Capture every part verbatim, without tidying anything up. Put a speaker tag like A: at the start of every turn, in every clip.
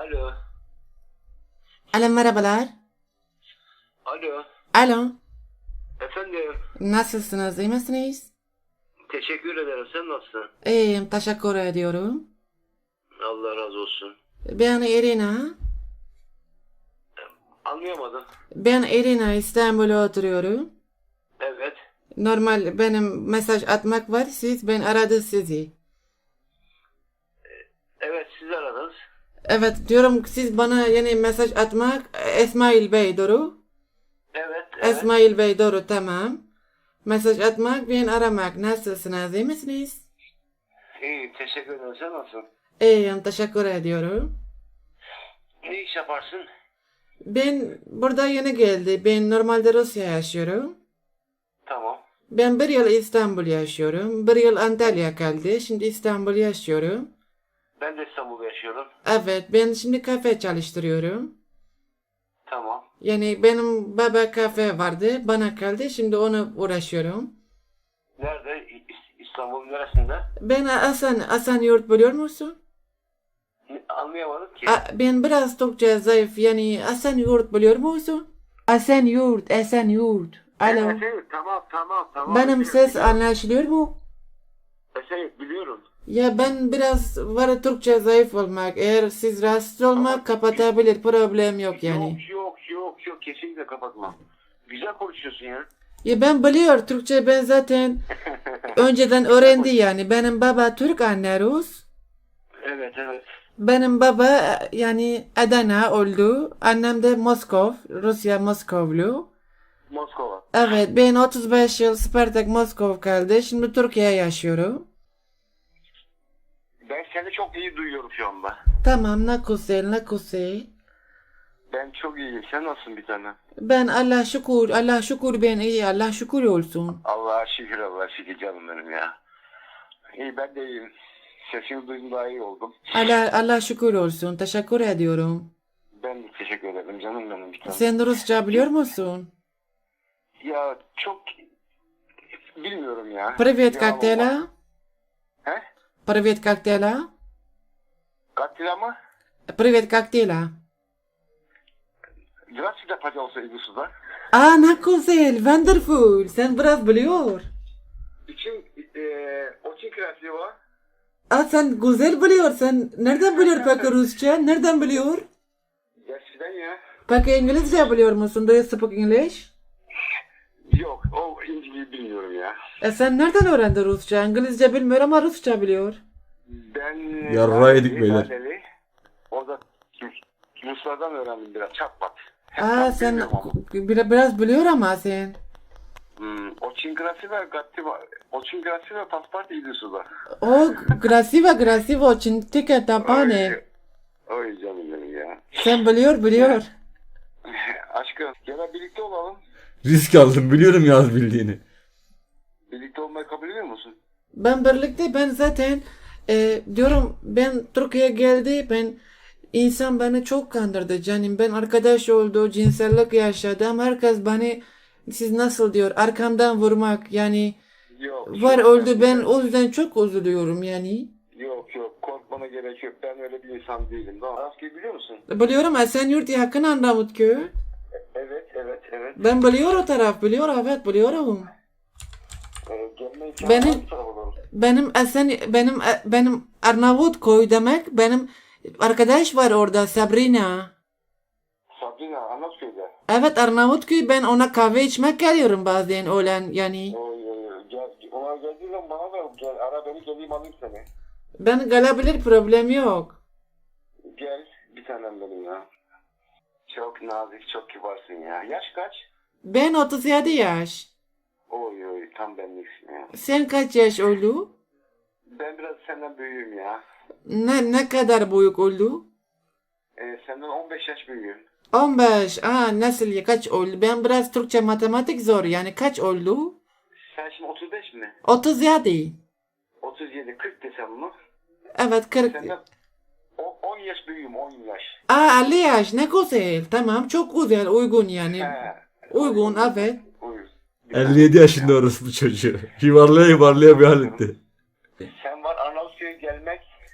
A: Alo.
B: Alo merhabalar.
A: Alo.
B: Alo.
A: Efendim.
B: Nasılsınız? İyi misiniz?
A: Teşekkür ederim. Sen nasılsın?
B: İyiyim. Teşekkür ediyorum.
A: Allah razı olsun.
B: Ben Irina.
A: Anlayamadım.
B: Ben Irina. İstanbul'da oturuyorum.
A: Evet.
B: Normal benim mesaj atmak var. Siz ben aradı sizi.
A: Evet, siz aradınız.
B: Evet diyorum siz bana yeni mesaj atmak. İsmail Bey doğru.
A: Evet, evet.
B: İsmail Bey doğru tamam. Mesaj atmak ben aramak. Nasılsınız? İyi misiniz?
A: İyi, teşekkür ederim. Sen nasılsın?
B: İyiyim. Teşekkür ediyorum.
A: Ne iş yaparsın?
B: Ben burada yeni geldi. Ben normalde Rusya yaşıyorum.
A: Tamam.
B: Ben bir yıl İstanbul yaşıyorum. Bir yıl Antalya kaldı. Şimdi İstanbul yaşıyorum.
A: Ben de İstanbul'da yaşıyorum.
B: Evet ben şimdi kafe çalıştırıyorum.
A: Tamam.
B: Yani benim baba kafe vardı. Bana kaldı. Şimdi onu uğraşıyorum.
A: Nerede? İ- İstanbul'un neresinde?
B: Ben Hasan, Hasan Yurt biliyor musun?
A: Ne- Anlayamadım ki.
B: A- Ben biraz Türkçe zayıf. Yani Hasan Yurt biliyor musun? Hasan Yurt, Hasan Yurt. Alo.
A: Evet, evet. Tamam, tamam, tamam.
B: Benim
A: Evet,
B: ses
A: biliyorum.
B: anlaşılıyor mu?
A: Evet, biliyorum.
B: Ya ben biraz var Türkçe zayıf olmak. Eğer siz rahatsız olmak kapatabilir. Problem yok yani.
A: Yok, yok, yok, yok. Kesinlikle kapatma. Güzel konuşuyorsun ya.
B: Ya ben biliyor Türkçe ben zaten önceden öğrendi yani. Benim baba Türk anne Rus.
A: Evet, evet.
B: Benim baba yani Adana oldu. Annem de Moskov. Rusya Moskovlu.
A: Moskova.
B: Evet ben otuz beş yıl Spartak Moskov kaldı. Şimdi Türkiye yaşıyorum.
A: Ben seni çok iyi duyuyorum şu anda.
B: Tamam ne güzel ne güzel.
A: Ben çok iyiyim. Sen nasılsın bir tane?
B: Ben Allah şükür Allah şükür ben iyi Allah şükür olsun.
A: Allah'a şükür, Allah'a şükür canım benim ya. İyi, ben de iyiyim. Sesini duydum, daha iyi oldum.
B: Allah Allah şükür olsun. Teşekkür ediyorum.
A: Ben de teşekkür ederim canım benim bir tane.
B: Sen Rusça biliyor musun?
A: Ya çok bilmiyorum ya.
B: Привет,
A: Ya
B: как
A: Allah.
B: дела?
A: He?
B: Привет, как дела?
A: Katil mı?
B: Привет, как dela?
A: Здравствуйте, пожалуйста, Игусуда.
B: Aa ne güzel, wonderful. Sen biraz biliyor.
A: İçin eee очень красиво.
B: Aa sen güzel biliyor. Sen nereden biliyor peki Rusça? Nereden biliyor?
A: Gerçekten ya.
B: Peki İngilizce biliyor musun? Do you speak English?
A: Yok, o İngilizceyi bilmiyorum ya.
B: E sen nereden öğrendin Rusça? İngilizce bilmiyor ama Rusça biliyor.
A: Ben
C: Yarraydık beyler.
A: Laleli, orada Ruslardan öğrendim biraz, çatpat.
B: Aa sen biraz, biraz biliyor ama sen.
A: Hmm, очень красиво, красиво, очень красиво паспорт иди сюда.
B: O красиво, красиво, очень тикет tapane.
A: Oy canım benim ya.
B: Sen biliyor, biliyor.
A: Aşkım, gel birlikte olalım.
C: Risk aldım biliyorum yaz bildiğini.
A: Birlikte olmayı kabul ediyor musun?
B: Ben birlikte ben zaten e, diyorum ben Türkiye'ye geldi ben insan beni çok kandırdı canım ben arkadaş oldu cinsellik yaşadım herkes beni siz nasıl diyor arkamdan vurmak yani
A: Yok.
B: var
A: yok,
B: oldu ben o yüzden çok üzülüyorum yani.
A: Yok yok, korkmana gerek yok. Ben öyle bir insan değilim. Tamam. Arasköy'ü biliyor musun?
B: Biliyorum Esenyurt yakın Arnavutköy.
A: Evet, evet, evet.
B: Ben biliyorum o taraf biliyor evet biliyorum.
A: Ee, gelme imkanı
B: Benim-
A: var mı tarafa doğru?
B: Benim Esen benim benim Arnavutköy demek benim arkadaş var orada Sabrina.
A: Sabrina, Anlatköy'de.
B: Evet Arnavutköy ben ona kahve içmek geliyorum bazen öğlen yani.
A: Oy, oy, oy. Gel, ona geldiği zaman bana da gel, ara beni, geleyim alayım seni.
B: Ben gelebilir problem yok.
A: Gel, bir tanem benim ya. Çok nazik, çok kibarsın ya. Yaş kaç?
B: Ben otuz yedi yaş.
A: Oy oy, tam benliksin ya.
B: Sen kaç yaş oldu?
A: Ben biraz senden büyüğüm ya.
B: Ne ne kadar büyük oldu?
A: Ee, senden on beş yaş büyüğüm.
B: on beş. Aa nasıl ya kaç oldu? Ben biraz Türkçe matematik zor yani kaç oldu?
A: Sen şimdi otuz beş mi?
B: otuz yedi.
A: otuz yedi, kırk desem mi?
B: Evet kırk.
A: Senden o- on yaş büyüğüm, on yaş.
B: Aa elli yaş ne güzel. Tamam çok güzel uygun yani.
A: He.
B: Uygun evet.
A: Uyuz.
C: elli yedi yaşında orası bu çocuğu. Yuvarlaya yuvarlaya bir halinde.
A: Sen var Arnavutköy'e gelmek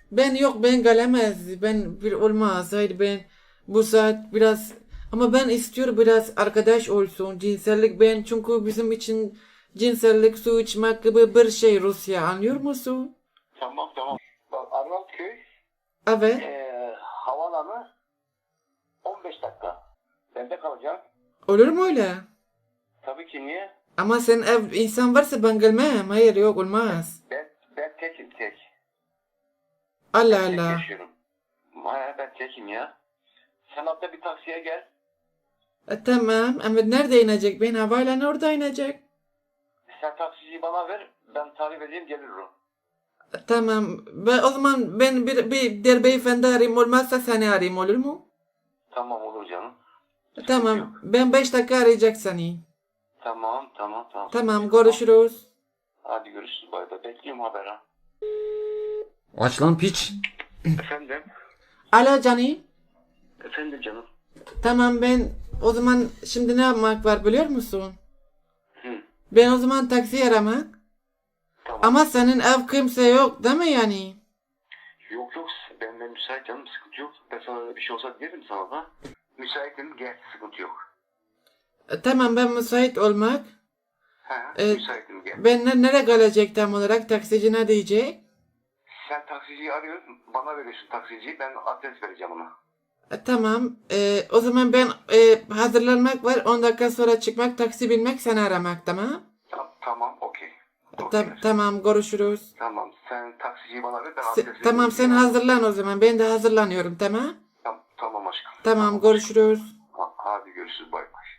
B: Ben yok ben gelemez. Ben bir olmaz. Hayır ben bu saat biraz ama ben istiyorum biraz arkadaş olsun. Cinsellik ben çünkü bizim için cinsellik su içmek gibi bir şey Rusya anlıyor musun?
A: Tamam tamam. Bak Arnavutköy
B: Evet.
A: ee, havaalanı on beş dakika. Ben de kalacağım.
B: Olur mu öyle?
A: Tabii ki niye?
B: Ama sen ev insan varsa ben gelmem. Hayır yok olmaz.
A: Ben, ben tekim tek.
B: Allah
A: Tek
B: Allah.
A: yaşıyorum. Ha, ben tekim ya. Sen hatta bir taksiye gel.
B: E, tamam ama nerede inecek? Ben havayla orada inecek.
A: Sen taksiciyi bana ver. Ben tarif edeyim gelir o.
B: E, tamam. Ben, o zaman ben bir, bir der beyefendi arayayım olmazsa seni arayayım olur mu?
A: Tamam olur canım.
B: E, tamam. Ben beş dakika arayacak seni.
A: Tamam tamam tamam.
B: Tamam görüşürüz.
A: Hadi görüşürüz bay bay. Bekliyorum haber ha.
C: Aç lan piç.
A: Efendim?
B: Alo canım.
A: Efendim canım.
B: Tamam ben o zaman şimdi ne yapmak var biliyor musun?
A: Hı.
B: Ben o zaman taksi aramak.
A: Tamam.
B: Ama senin ev kimse yok değil mi yani?
A: Yok yok ben, ben müsait canım sıkıntı yok. Ben sana öyle bir şey olsa derim sana da. Müsaitim gel sıkıntı yok.
B: E, tamam ben müsait olmak.
A: He
B: Evet.
A: müsaitim gel.
B: Ben ne, nereye gelecek tam olarak? Taksici ne diyecek?
A: Sen taksiciyi arıyorsun bana veriyorsun taksiciyi ben adres vereceğim ona.
B: E, tamam. E, o zaman ben e, hazırlanmak var. on dakika sonra çıkmak, taksi binmek, seni aramak tamam?
A: Tam, tamam okey.
B: Ta-
A: Okey.
B: tamam görüşürüz.
A: Tamam sen taksiciyi bana ver ben
B: Se-
A: adres vereyim.
B: tamam sen hazırlan o zaman. Ben de hazırlanıyorum tamam?
A: Tamam, tamam aşkım.
B: Tamam görüşürüz.
A: Ha, hadi görüşürüz bay bay.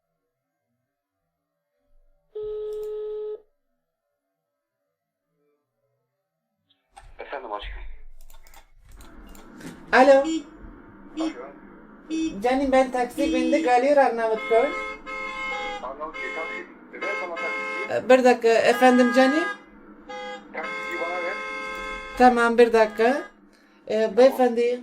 A: Efendim aşkım.
B: Alo.
A: Alo.
B: Canım ben taksi bindik geliyor Arnavutköy.
A: Arnavutköy taksi. Ver bana taksiciyi.
B: E, bir dakika efendim canım.
A: Taksiciyi bana ver.
B: Tamam bir dakika. E, beyefendi.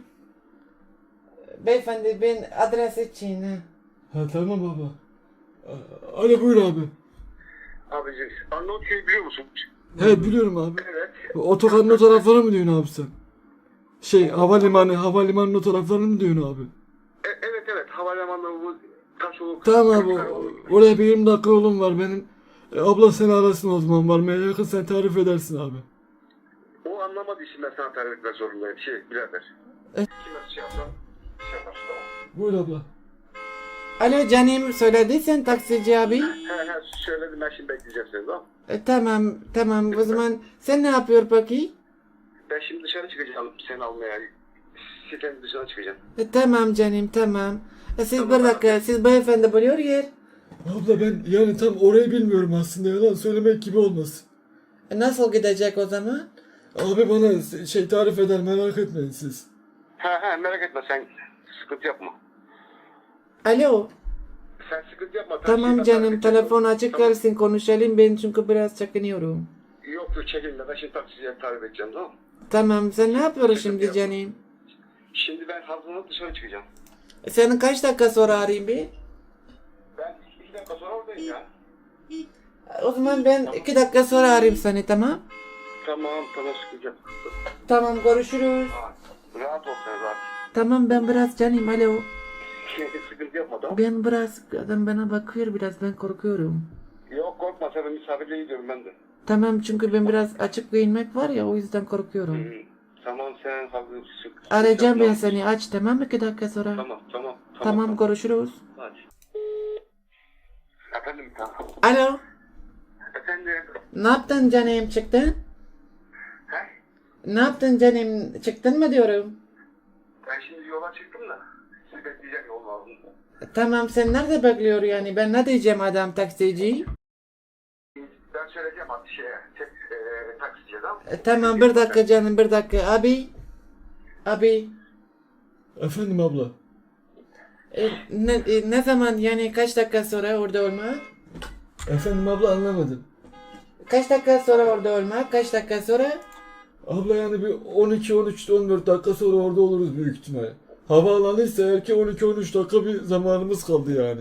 B: Beyefendi ben adres için. ha.
C: Ha tamam baba. A- Alo buyur abi.
A: Abicim Arnavutköy'ü biliyor musun?
C: He biliyorum abi.
A: Evet.
C: Otogarın o tarafları mı diyorsun abi sen? Şey havalimanı, havalimanının o taraflarını mı diyorsun abi?
A: E, evet evet havalimanı bu Taşoluk.
C: Tamam abi. o- Oraya bir yirmi dakika yolum var benim. E, abla seni arasın o zaman varmaya yakın sen tarif edersin abi.
A: O anlamadığı için ben sana tarif etmek zorundayım. Şey birader.
B: E-
A: Kime şey yapsam şey yaparsın tamam.
C: Buyur abla.
B: Alo canım söylediysen taksici abi.
A: He he söyledim ben şimdi bekleyeceğim seni tamam.
B: E, tamam tamam o zaman sen ne yapıyor peki?
A: Ben şimdi dışarı çıkacağım seni almaya. Sitenin dışına çıkacağım.
B: E, tamam canım tamam. E, siz
A: Tamam
B: bir dakika siz beyefendi biliyor yer.
C: Abla ben yani tam orayı bilmiyorum aslında yalan söylemek gibi olmasın.
B: E, nasıl gidecek o zaman?
C: Abi bana şey tarif eder merak etmeyin siz.
A: He he merak etme sen sıkıntı yapma.
B: Alo.
A: Sen sıkıntı yapma.
B: Tamam
A: taksiyi ben
B: canım
A: tarif edeceğim.
B: telefon açık
A: Tamam.
B: kalsın konuşalım ben çünkü biraz çekiniyorum.
A: Yok yok çekinme ben şimdi taksiciye tarif edeceğim tamam mı?
B: Tamam sen ne yapıyorsun
A: Sıkıntı
B: şimdi
A: yok.
B: canım?
A: Şimdi ben hazırlanıp dışarı çıkacağım.
B: E, senin kaç dakika sonra arayayım bir?
A: Ben iki dakika sonra oradayım ya.
B: O zaman ben iki dakika sonra arayayım seni tamam?
A: Tamam tamam sıkıntı yok.
B: Tamam görüşürüz.
A: Ha, rahat ol sen rahat.
B: Tamam ben biraz canım alo.
A: Sıkıntı yapma tamam.
B: Ben biraz adam bana bakıyor biraz ben korkuyorum.
A: Yok korkma sen misafirliğe gidiyorum ben de.
B: Tamam çünkü ben biraz açık giyinmek var ya o yüzden korkuyorum.
A: Hı, tamam sen hazır sık.
B: Arayacağım ben
A: Tamam.
B: seni aç tamam iki dakika sonra.
A: Tamam tamam.
B: Tamam görüşürüz.
A: Hadi. Efendim tamam.
B: Alo.
A: Efendim.
B: Ne yaptın canım çıktın?
A: He?
B: Ne yaptın canım çıktın mı diyorum.
A: Ben şimdi yola çıktım da. Sizi bekleyeceğim yolun ağzında.
B: Tamam sen nerede bekliyor yani ben ne diyeceğim adam taksici?
A: Ben söyleyeceğim hadi şeye. Tek, e, taksiciye tamam.
B: E, tamam bir dakika canım bir dakika abi. Abi.
C: Efendim abla.
B: E, ne, e, ne zaman yani kaç dakika sonra orada olmak?
C: Efendim abla anlamadım.
B: Kaç dakika sonra orada olmak? Kaç dakika sonra?
C: Abla yani bir on iki on üç on dört dakika sonra orada oluruz büyük ihtimal. Havaalanıysa eğer ki on iki on üç dakika bir zamanımız kaldı yani.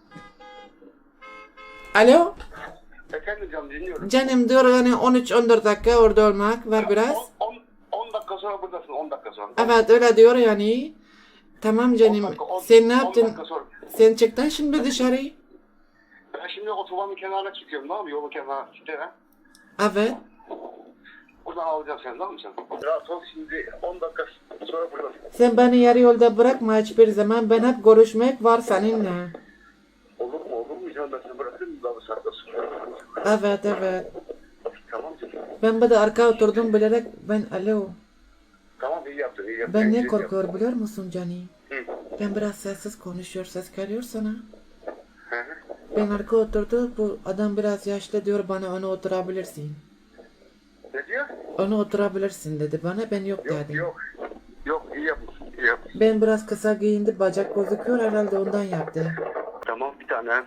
B: Alo?
A: Efendim canım dinliyorum.
B: Canım diyor yani on üç on dört dakika orada olmak var biraz.
A: on on dakika sonra buradasın, on dakika sonra.
B: Evet öyle diyor yani. Tamam canım.
A: on dakika, on-
B: Sen ne
A: on
B: yaptın?
A: dakika sonra.
B: Sen çıktın şimdi dışarı.
A: Ben şimdi otobanın kenarına çıkıyorum, tamam mı? Yolun kenarına çıkıyorum.
B: Evet.
A: Buradan alacağım seni, tamam mı sen? Rahat ol, şimdi on dakika sonra buradasın.
B: Sen beni yarı yolda bırakma hiçbir zaman. Ben hep görüşmek var seninle.
A: Olur mu, olur mu canım? Ben seni bırakırım daha bir saatte sonra.
B: Evet evet.
A: Tamam canım.
B: Ben bir de arka oturdum bilerek ben alo.
A: Tamam, iyi yaptın, iyi yaptın.
B: Ben
A: İyi
B: ne
A: yaptın.
B: korkuyor biliyor musun Cani?
A: Hı.
B: Ben biraz sessiz konuşuyor, ses geliyor sana.
A: Hı hı.
B: Ben arka oturdu, bu adam biraz yaşlı diyor bana onu oturabilirsin.
A: Ne diyor?
B: Onu oturabilirsin dedi bana, ben yok
A: Yok,
B: dedim.
A: yok. Yok, iyi yapmışsın, iyi yapmışsın.
B: Ben biraz kısa giyindi, bacak gözüküyor herhalde ondan yaptı.
A: Tamam, bir tane.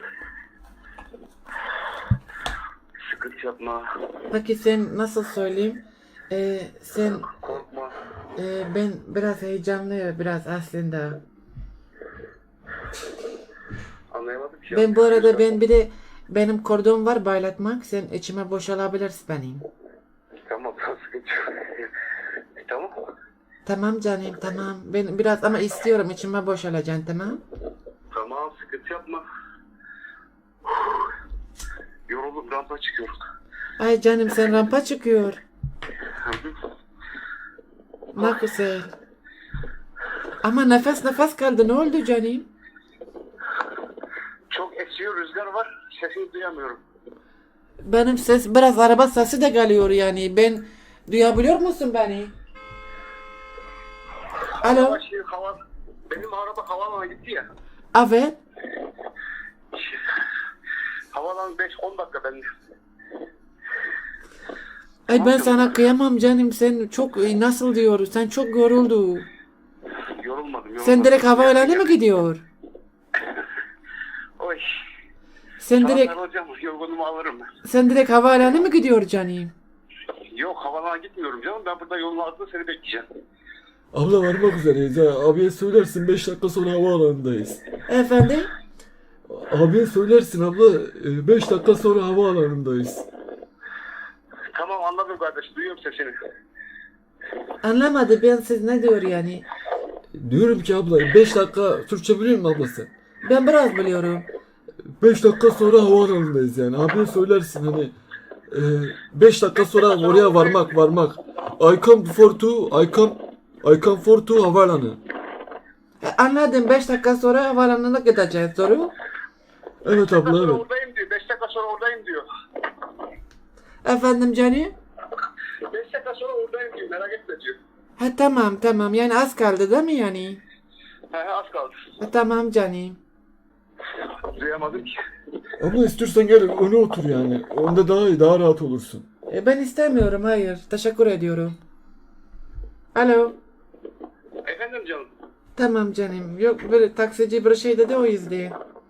A: Sıkıntı yapma.
B: Peki sen nasıl söyleyeyim? Ee, sen,
A: Korkma.
B: e, ben biraz heyecanlı biraz aslında.
A: Anlayamadım ki.
B: Ben bu arada ben bir de benim kordon var baylatmak, sen içime boşalabilirsin benim.
A: Tamam, sıkıntı yok. Tamam.
B: Tamam canım tamam. Ben biraz ama istiyorum içime boşalacaksın tamam.
A: Tamam, sıkıntı yapma. Yoruldum, rampa çıkıyorum.
B: Ay canım sen rampa çıkıyor.
A: Hı hı.
B: Ne güzel. Ama nefes nefes kaldı ne oldu canım?
A: Çok esiyor, rüzgar var. Sesini duyamıyorum.
B: Benim ses biraz araba sesi de geliyor yani. Ben duyabiliyor musun beni? Alo.
A: Ama şey, hava, benim araba havaalanına gitti ya.
B: Evet.
A: Havalan beş on dakika ben.
B: Ay ben sana kıyamam canım. Sen çok nasıl diyor? Sen çok yoruldu.
A: Yorulmadım, yorulmadım.
B: Sen direkt havaalanına mı gidiyor?
A: Oy.
B: Sen direkt
A: Sana hocam, yorgunumu alırım ben.
B: sen direkt havaalanına mı gidiyor canım?
A: Yok, havaalanına gitmiyorum canım. Ben burada yolun altında seni bekleyeceğim.
C: Abla varmak üzereyiz ha. Abiye söylersin beş dakika sonra havaalanındayız.
B: Efendim?
C: Abiye söylersin abla beş dakika sonra havaalanındayız.
A: Tamam, anladım kardeş. Duyuyorum sesini.
B: Anlamadı ben siz ne diyor yani?
C: Diyorum ki abla beş dakika Türkçe biliyor musun abla sen?
B: Ben biraz biliyorum.
C: beş dakika sonra havaalanındayız yani. Abiye söylersin hani beş dakika sonra oraya varmak varmak. I come for to I come I come for to havaalanı.
B: E, Anladım. beş dakika sonra havaalanına gideceğiz. Doğru?
C: Evet
A: beş dakika
C: abla
A: sonra
C: evet.
A: oradayım diyor. beş dakika sonra oradayım diyor.
B: Efendim canım?
A: beş dakika sonra oradayım diyor. Merak etme diyor.
B: Ha tamam tamam. Yani az kaldı değil mi yani?
A: He he, az kaldı.
B: Ha, tamam canım.
A: Duyamadım ki.
C: Abla istiyorsan gel öne otur yani. Onda daha iyi, daha rahat olursun.
B: E, ben istemiyorum. Hayır. Teşekkür ediyorum. Alo.
A: Efendim canım.
B: Tamam canım. Yok böyle taksici bir şey dedi o yüzden.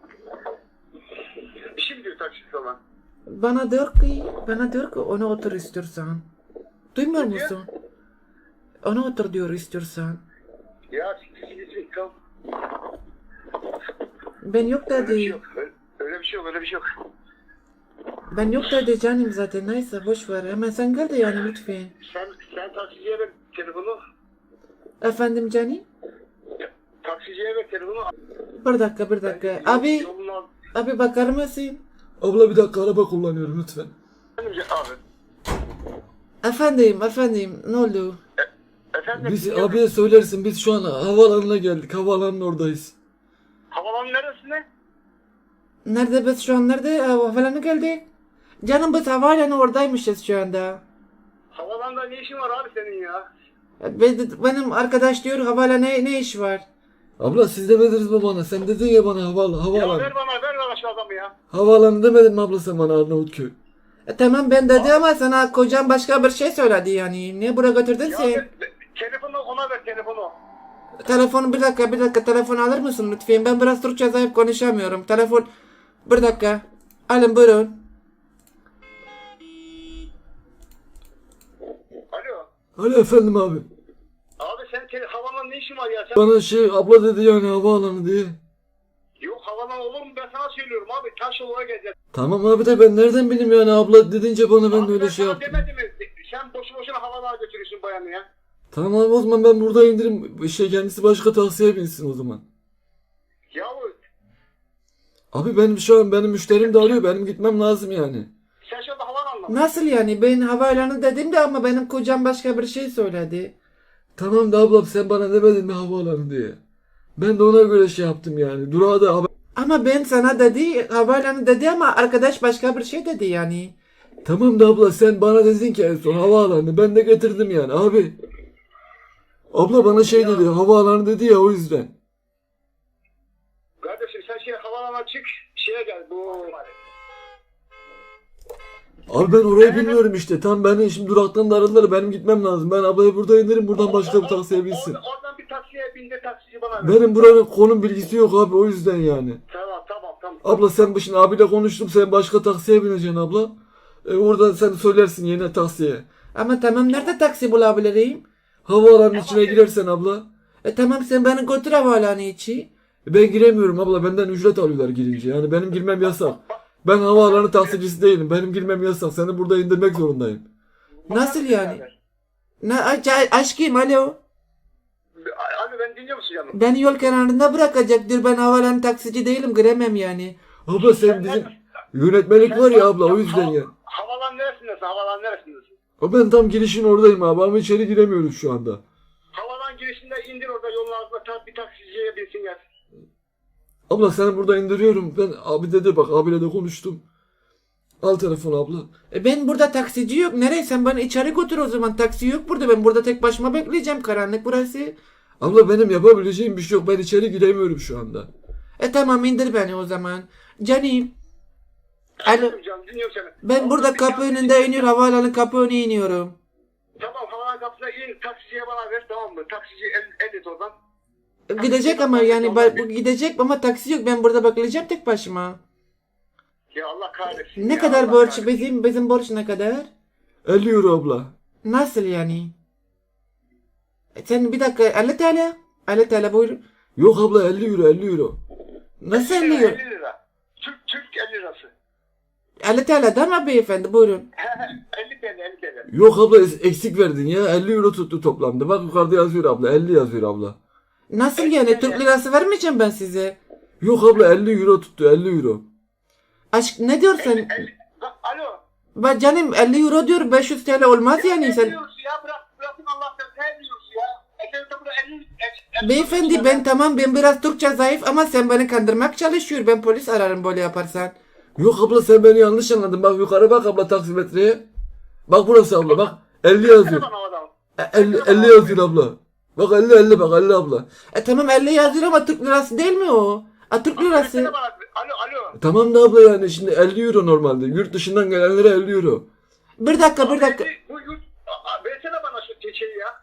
A: Bir şey mi diyor taksi sana?
B: Bana diyor ki, bana diyor ki ona otur istiyorsan. Duymuyor
A: Ne diyor?
B: musun? Ona otur diyor istiyorsan.
A: Ya siktir kal.
B: Ben yok
A: Öyle bir şey
B: dedi.
A: yok. Öyle, öyle bir şey yok. Öyle bir şey yok.
B: Ben yok dedi canım zaten. Neyse boş ver. Hemen sen gel de yani lütfen.
A: Sen, sen taksiciye ver telefonu.
B: Efendim canım?
A: Taksiciye ver telefonu.
B: Bir dakika bir dakika.
A: Ben yol-
B: Abi,
A: yolunu al.
B: abi bakar mısın?
C: Abla bir dakika araba kullanıyorum lütfen.
A: Efendim abi.
B: Efendim, efendim. Ne oldu?
A: Efendim.
C: Biz
A: dinliyorum.
C: abiye söylersin biz şu an havaalanına geldik. Havaalanının oradayız.
A: Havalanın neresinde?
B: Nerede biz şu an nerede? Havalanı geldik. Canım biz havaalanı oradaymışız şu anda.
A: Havalanda ne işin var abi senin ya?
B: Be- Benim arkadaş diyor havaalanı ne, ne iş var?
C: Abla siz demediniz mi bana? Sen dedin ya bana havalan,
A: Ya
C: havaalanı.
A: ver bana ver bana şu adamı ya.
C: Havaalanı demedin mi abla sen bana Arnavutköy?
B: E, tamam ben dedi ama sana kocam başka bir şey söyledi yani. Niye buraya götürdün
A: Ya
B: sen?
A: ver, ver, telefonu ona ver telefonu.
B: Telefonu bir dakika bir dakika telefon alır mısın lütfen? Ben biraz Türkçe zayıf konuşamıyorum. Telefon bir dakika. Alın buyurun.
A: Alo.
C: Alo efendim abi.
A: Abi sen tele, havalan ne işin var ya? Sen...
C: Bana şey abla dedi yani havaalanı diye.
A: Yok havalan olur mu? Ben sana söylüyorum abi. Taş yoluna geleceğiz.
C: Tamam abi de ben nereden bileyim yani abla dedince bana ben de
A: Abi
C: öyle
A: ben
C: şey
A: sana
C: yaptım.
A: demedim mi? Sen boşu boşuna havalana götürüyorsun bayanı ya.
C: Tamam abi o zaman ben burada indirim. Şey kendisi başka taksiye binsin o zaman.
A: Yahu
C: Abi benim şu an benim müşterim de arıyor. Benim gitmem lazım yani.
A: sen şu anda havaalanına mı?
B: Nasıl yani? Ben havaalanı dedim de ama benim kocam başka bir şey söyledi.
C: Tamam da ablam sen bana demedin mi havaalanı diye. Ben de ona göre şey yaptım yani. Durağa da haber...
B: Ama ben sana dedi, havaalanı dedi ama arkadaş başka bir şey dedi yani.
C: Tamam da abla sen bana dedin ki en son havaalanı. Ben de getirdim yani abi. Abla bana şey dedi havaalanı dedi ya o yüzden.
A: Kardeşim sen şey havaalanına çık. Şeye gel bu.
C: Abi ben orayı bilmiyorum işte. Tam beni şimdi duraktan da aradılar. Benim gitmem lazım. Ben ablayı burada indirim. Buradan başka bir taksiye binsin.
A: Oradan, oradan bir taksiye bindi taksici bana ver.
C: Benim buranın konum bilgisi yok abi o yüzden yani.
A: Tamam tamam tamam.
C: Abla sen bu şimdi abiyle konuştum. Sen başka taksiye bineceksin abla. E, oradan sen söylersin yine taksiye.
B: Ama tamam nerede taksi bulabilirim?
C: Havaalanının içine girersen abla.
B: E tamam sen beni götür havaalanı içi.
C: E, ben giremiyorum abla. Benden ücret alıyorlar girince. Yani benim girmem yasak. Ben havaalanı taksicisi değilim. Benim girmem yasak. Seni burada indirmek zorundayım.
B: Nasıl yani? Ne aç, aşkım alo.
A: Abi ben dinliyor musun canım?
B: Beni yol kenarında bırakacaktır. Ben havaalanı taksici değilim. Giremem yani.
C: Abla sen bizim yönetmelik var ya abla o yüzden ya.
A: Havalan neresindesin? Havalan neresindesin?
C: O ben tam girişin oradayım abi ama içeri giremiyoruz şu anda.
A: Havalan girişinde indir orada yolun ağzına ta- bir taksiciye binsin gel.
C: Abla seni burada indiriyorum. Ben abi dedi bak abiyle de konuştum. Al telefonu abla.
B: E ben burada taksici yok. Nereye? Sen beni içeri götür o zaman. Taksi yok burada. Ben burada tek başıma bekleyeceğim. Karanlık burası.
C: Abla benim yapabileceğim bir şey yok. Ben içeri giremiyorum şu anda.
B: E tamam indir beni o zaman. Canım. Alo.
A: Canım dinliyorum seni.
B: Ben
A: Oradan
B: burada
A: bir
B: kapı
A: taksici-
B: önünde iniyorum. Havaalanı kapı önüne iniyorum.
A: Tamam havalan kapısına in taksiciye bana ver tamam mı? Taksici el, el et oradan.
B: E, Gidecek ama yani ba- bu gidecek ama taksi yok. Ben burada bekleyeceğim tek başıma.
A: Ya Allah kahretsin.
B: Ne
A: ya,
B: kadar
A: Allah
B: borç?
A: kahretsin.
B: Bizim bizim borç ne kadar?
C: elli euro abla.
B: Nasıl yani? E, Sen bir dakika elli T L. elli T L buyur.
C: Yok abla elli euro elli euro.
B: Nasıl
A: elli
B: elli
A: lira,
B: euro?
A: elli lira. Türk, Türk elli lirası.
B: elli T L değil mi beyefendi? Buyurun.
A: elli TL elli TL.
C: Yok abla es- eksik verdin ya. elli euro tuttu toplamda. Bak yukarıda yazıyor abla. elli yazıyor abla.
B: Nasıl yani? Türk lirası vermeyeceğim ben size.
C: Yok abla elli euro tuttu elli euro.
B: Aşk ne diyorsun?
A: elli, bak, alo.
B: Ben canım elli euro diyor beş yüz T L olmaz yani
A: Ne
B: sen.
A: diyorsun ya bırak bırakın Allah'tan ne diyorsun ya? Ekranında burada elli elli-
B: Beyefendi ben tamam ben biraz Türkçe zayıf ama sen beni kandırmak çalışıyor. Ben polis ararım böyle yaparsan.
C: Yok abla sen beni yanlış anladın. Bak yukarı bak abla taksimetreye. Bak burası abla bak. elli yazıyor.
A: Bana o adam.
C: E, elli, elli yazıyor abla. Bak elli elli bak elli abla.
B: E tamam elli yazıyor ama Türk lirası değil mi o? A Türk
A: Versene
B: lirası.
A: bana. Alo alo.
C: Tamam da abla yani şimdi elli euro normalde. Yurt dışından gelenlere elli euro.
B: Bir dakika bir dakika.
A: Bu yurt. Aa, versene bana şu şeyi ya.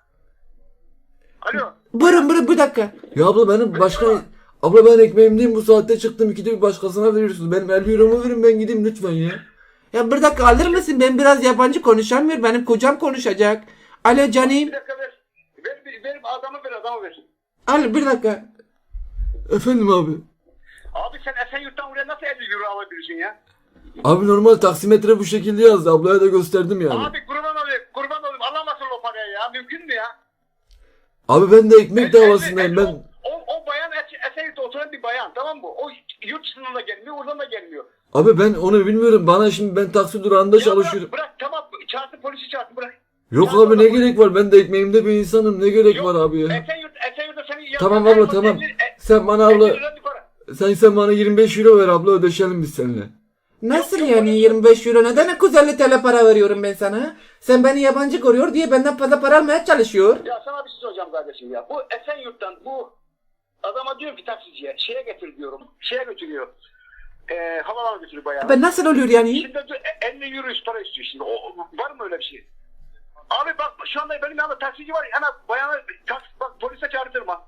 A: Alo.
B: Buyurun buyurun bir dakika.
C: Ya abla benim başka... Abla ben ekmeğimdeyim bu saatte çıktım. İkide bir başkasına veriyorsunuz. Benim elli euromu verin ben gideyim lütfen ya.
B: Ya bir dakika alır mısın? Ben biraz yabancı konuşamıyorum. Benim kocam konuşacak. Alo canım.
A: Bir dakika ver. Ver, ver, ver adamı ver adamı ver.
B: Al bir dakika.
C: Efendim abi.
A: Abi sen Esenyurt'tan buraya nasıl elli euro alabilirsin ya?
C: Abi normal taksimetre bu şekilde yazdı. Ablaya da gösterdim yani.
A: Abi kurban olayım kurban olayım alamazsın o parayı ya mümkün mü ya?
C: Abi ben de ekmek davasındayım ben.
A: O, o bayan Es- Esenyurt'ta oturan bir bayan tamam mı? O yurt dışından da gelmiyor oradan da gelmiyor.
C: Abi ben onu bilmiyorum. Bana şimdi ben taksi durağında
A: Ya
C: çalışıyorum.
A: Bırak, bırak tamam çağırsın polisi çağırsın bırak.
C: Yok
A: Ya
C: abi ne
A: bırak.
C: gerek var? Ben de ekmeğimde bir insanım. Ne gerek
A: Yok,
C: var abi ya?
A: Esenyurt, Esenyurt'ta senin yanında
C: Tamam
A: en
C: abla
A: son
C: tamam.
A: elli- e-
C: Sen bana
A: elli
C: abla
A: lira yukarı.
C: sen sen bana yirmi beş euro ver abla ödeşelim biz seninle.
B: Nasıl
A: Yok, yok,
B: yani
A: yok.
B: yirmi beş euro? Neden iki yüz elli T L para veriyorum ben sana? Sen beni yabancı görüyor diye benden fazla para almaya çalışıyor.
A: Ya sana bir şey soracağım kardeşim ya. Bu Esenyurt'tan bu adama diyor ki taksiciye şeye getir diyorum. Şeye götürüyor. Eee havalana götürüyor bayağı.
B: Ben nasıl oluyor yani?
A: Şimdi diyor, e, elli euro para istiyor şimdi. O, o- var mı öyle bir şey? Abi bak şu anda benim yanımda taksici var. Ana bayanı taksi, bak polise çağırtırım ha.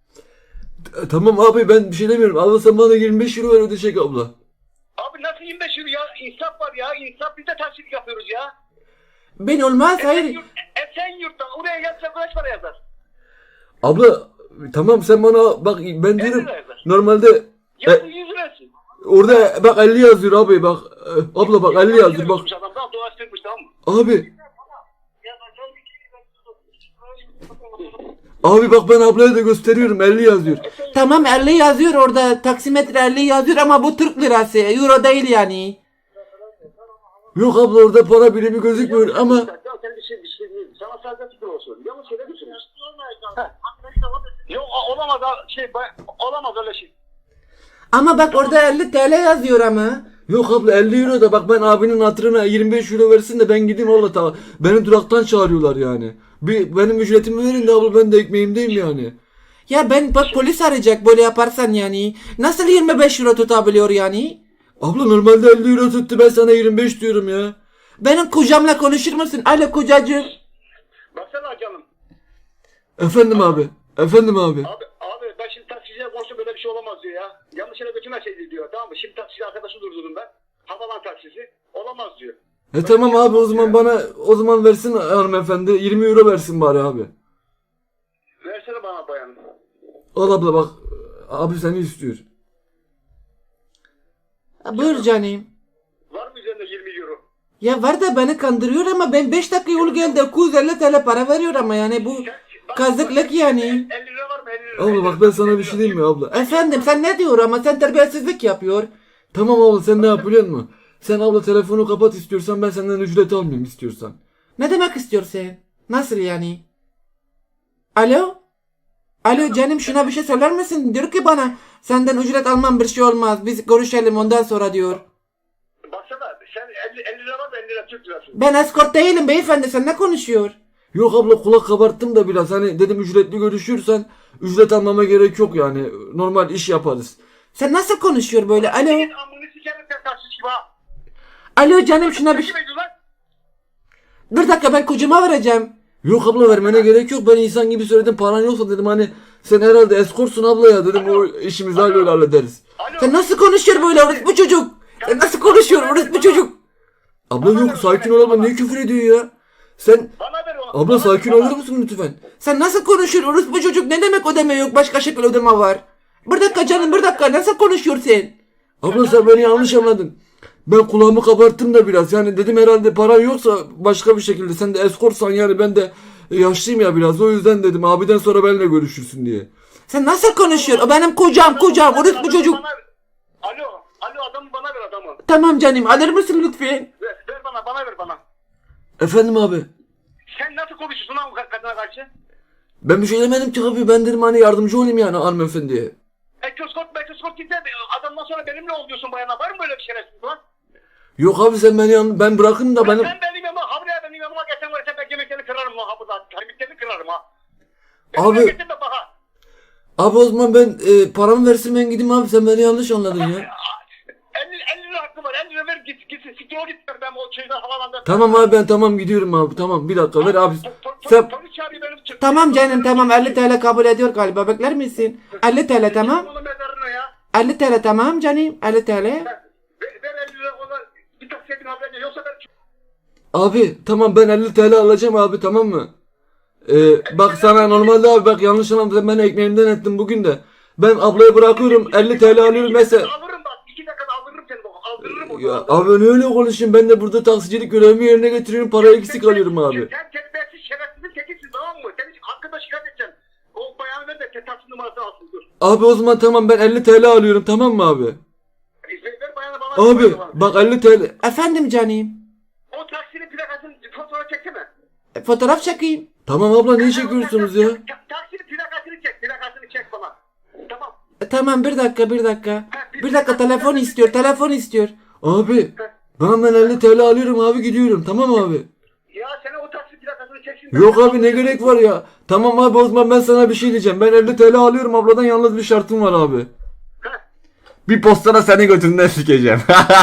C: E, Tamam abi ben bir şey demiyorum. Abla sen bana yirmi beş euro ver ödeşek abla.
A: Abi nasıl yirmi beş euro ya? İnsaf var ya. İnsaf biz de taksilik yapıyoruz ya.
B: Ben olmaz hayır.
A: Esenyurt, Esenyurt'tan oraya yazsa kaç para yazar?
C: Abla tamam sen bana bak ben diyorum
A: elli lira yazar.
C: normalde
A: Ya
C: E-
A: bu yüz lirası.
C: orada bak elli yazıyor abi bak. E, Abla bak elli yazıyor bak.
A: Adam daha dolaştırmış tamam mı?
C: Abi
A: Ya ben
C: Abi bak ben ablaya da gösteriyorum elli yazıyor.
B: Tamam elli yazıyor orada. Taksimetre elli yazıyor ama bu Türk lirası. Euro değil yani.
C: Yok abla orada para birimi gözükmüyor ama
A: Ya sen bir şey, bir şey değil. Sana sadece fikir olsun. Yanlış yere götürüyorsun. Yok o- olamaz ha- şey ba- olamaz öyle şey.
B: Ama bak orada elli T L yazıyor ama.
C: yok abla elli euro da bak ben abinin hatırına yirmi beş euro versin de ben gideyim abla ta beni duraktan çağırıyorlar yani. Bir benim ücretimi verin de abla ben de ekmeğimdeyim yani.
B: Ya ben bak polis arayacak böyle yaparsan yani. Nasıl yirmi beş euro tutabiliyor yani?
C: Abla normalde elli euro tuttu ben sana yirmi beş diyorum ya.
B: Benim kocamla konuşur musun? Alo kocacığım.
A: Baksana canım.
C: Efendim abi. Efendim abi.
A: Abi abi ben şimdi taksiciye konuştum böyle bir şey olamaz diyor ya. Yanlış yere götürmeseydi diyor. Tamam mı? Şimdi taksici arkadaşı durdurdum ben. Havalan taksisi. Olamaz diyor.
C: E tamam abi o zaman bana o zaman versin hanımefendi yirmi euro versin bari abi.
A: Versene bana bayanım.
C: Al abla bak abi seni istiyor.
B: Ha, buyur canım.
A: Var mı üzerinde yirmi euro?
B: Ya var da beni kandırıyor ama ben beş dakika yol geldi iki yüz elli T L para veriyor ama yani bu
A: Sen- bak-
B: kazıklık yani.
A: elli lira var mı? elli lira.
C: Abla bak ben sana bir şey diyeyim mi abla?
B: Efendim sen ne diyor ama sen terbiyesizlik yapıyor.
C: Tamam abla sen ne yap biliyor musun? Sen abla telefonu kapat istiyorsan ben senden ücret almayayım istiyorsan.
B: Ne demek istiyorsun? Nasıl yani? Alo? Alo canım şuna bir şey söyler misin? Diyor ki bana senden ücret almam bir şey olmaz. Biz görüşelim ondan sonra diyor.
A: Baksana sen elli, elli lira var mı? elli lira Türk lirası.
B: Ben eskort değilim beyefendi sen ne konuşuyor?
C: Yok abla kulak kabarttım da biraz hani dedim ücretli görüşürsen ücret almama gerek yok yani normal iş yaparız.
B: Sen nasıl konuşuyor böyle? Alo?
A: Senin amını sikerim sen taksici gibi ha.
B: Alo canım şuna bir şey...
A: Kim ediyor lan?
B: Bir dakika ben kocama vereceğim.
C: Yok abla vermene gerek yok ben insan gibi söyledim paran yoksa dedim hani sen herhalde eskortsun abla ya dedim o işimizi
A: Alo.
C: böyle hallederiz.
A: Alo.
B: Sen nasıl konuşuyor böyle orospu çocuk? Sen nasıl konuşuyor orospu çocuk?
C: Abla yok sakin ol abla niye küfür ediyor ya? Sen
A: Bana ver onu.
C: abla
A: Bana
C: sakin
A: ver,
C: olur
A: bana.
C: musun lütfen?
B: Sen nasıl konuşuyor orospu çocuk? Ne demek ödeme yok? Başka şekil ödeme var. Bir dakika canım bir dakika nasıl konuşuyor sen?
C: Abla sen beni yanlış anladın. Ben kulağımı kabarttım da biraz yani dedim herhalde paran yoksa başka bir şekilde sen de eskortsan yani ben de yaşlıyım ya biraz o yüzden dedim abiden sonra benimle görüşürsün diye.
B: Sen nasıl konuşuyor? O benim kocam kocam orospu
A: Adamı
B: çocuk.
A: bana ver. Alo. Alo adamı bana ver adamı.
B: Tamam canım alır mısın lütfen?
A: Ver, ver bana bana ver bana.
C: Efendim abi.
A: Sen nasıl konuşuyorsun lan bu kadına karşı?
C: Ben bir şey demedim ki abi ben dedim hani yardımcı olayım yani hanımefendiye.
A: Ekroskop ekroskop gitti. Adamdan sonra benimle ol diyorsun bayana. Var mı böyle bir şerefsiz lan?
C: Yok abi sen beni yan, ben bırakın da benim.
A: Sen benim yanıma, habraya benim yanıma geçen var sen ben kemiklerini kırarım lan ha burada. Kemiklerini kırarım ha.
C: Abi-
A: Benimle getir de baka.
C: Abi o zaman ben e, paramı versin ben gideyim abi sen beni yanlış anladın ya.
A: elli, elli lira hakkı var. elli lira ver git git. Siktir o git. Ben o şeyden havalanda.
C: Tamam abi ben tamam gidiyorum abi tamam bir dakika ver abi.
A: Po- po-
C: Sen
A: Polis çağırıyor benim çık.
B: Tamam canım tamam elli T L kabul ediyor galiba bekler misin? elli T L tamam.
A: Onun mezarına ya.
B: elli T L tamam canım elli T L.
A: Ver, ver elli lira ona. Bir taksiye bin haberine. Yoksa ben...
C: abi tamam ben elli T L alacağım abi tamam mı? Ee, bak sana normalde abi bak yanlış anlamadın ben ekmeğimden ettim bugün de. Ben ablaya bırakıyorum elli T L alıyorum mesela.
A: Alırım bak. iki dakikada aldırırım seni. bak, Aldırırım onu.
C: Ya abi ne öyle konuşayım ben de burada taksicilik görevimi yerine getiriyorum parayı eksik alıyorum abi.
A: Sen terbiyesiz şerefsizin tekisin tamam mı? Senin hakkında şikayet edeceğim. O bayanı ver de taksi numarası alsın dur.
C: Abi o zaman tamam ben elli T L alıyorum tamam mı abi?
A: İzin ver bayanı bana.
C: Abi bak elli T L.
B: Efendim canım.
A: O taksinin plakasını fotoğraf çeksene.
B: E, Fotoğraf çekeyim.
C: Tamam abla ne çekiyorsunuz ya?
A: Ta- Taksinin plakasını çek. Plakasını çek bana. Tamam.
B: E, Tamam bir dakika bir dakika. Bir dakika telefon istiyor telefon istiyor.
C: Abi ben ben elli T L alıyorum abi gidiyorum tamam abi.
A: Ya sen o taksi plakasını çeksin.
C: Yok abi ne gerek var ya. Tamam abi o zaman ben sana bir şey diyeceğim. Ben elli T L alıyorum abladan yalnız bir şartım var abi.
A: Heh.
C: Bir postana seni götünden sikeceğim.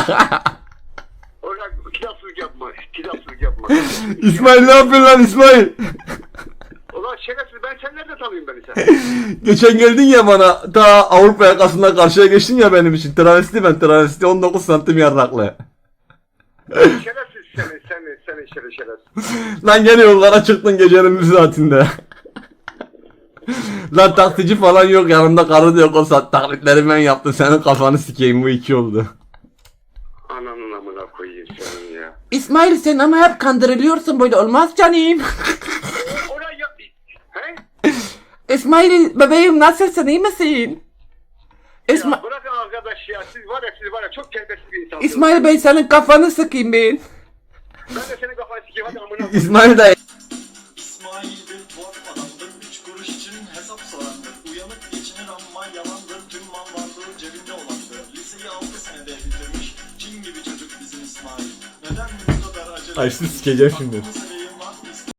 A: Orhan kitapsızlık yapma. Kitapsızlık yapma.
C: İsmail ne yapıyorsun lan İsmail?
A: Ulan şerefsiz ben sen nerede tanıyayım beni sen?
C: Geçen geldin ya bana ta Avrupa yakasında karşıya geçtin ya benim için. Travesti ben travesti on dokuz santim yarraklı.
A: Şerefsiz seni seni seni şerefsiz şerefsiz.
C: Lan gene yollara çıktın gecenin bir saatinde. Lan taksici falan yok yanımda karı da yok o saat taklitleri ben yaptım senin kafanı sikeyim bu iki oldu.
A: Ananın amına koyayım senin ya.
B: İsmail sen ama hep kandırılıyorsun böyle olmaz canım.
A: Oraya yap. He?
B: İsmail bebeğim nasılsın, iyi misin? İsma
A: Ya bırakın arkadaş ya, siz var ya siz var ya çok terbiyesiz bir insansınız.
B: İsmail Bey senin kafanı sıkayım ben.
A: Ben de senin kafanı sikeyim hadi amına.
C: İsmail dayı.
D: İsmail bir tuhaf adamdır, üç kuruş için hesap sorandır. Uyanık geçinir ama yalandır, tüm mal varlığı cebinde olandır. Liseyi altı senede bitirmiş, cin gibi çocuk bizim İsmail. Neden bu kadar acele?
C: Ay sizi sikeceğim şimdi.
D: Aklımıza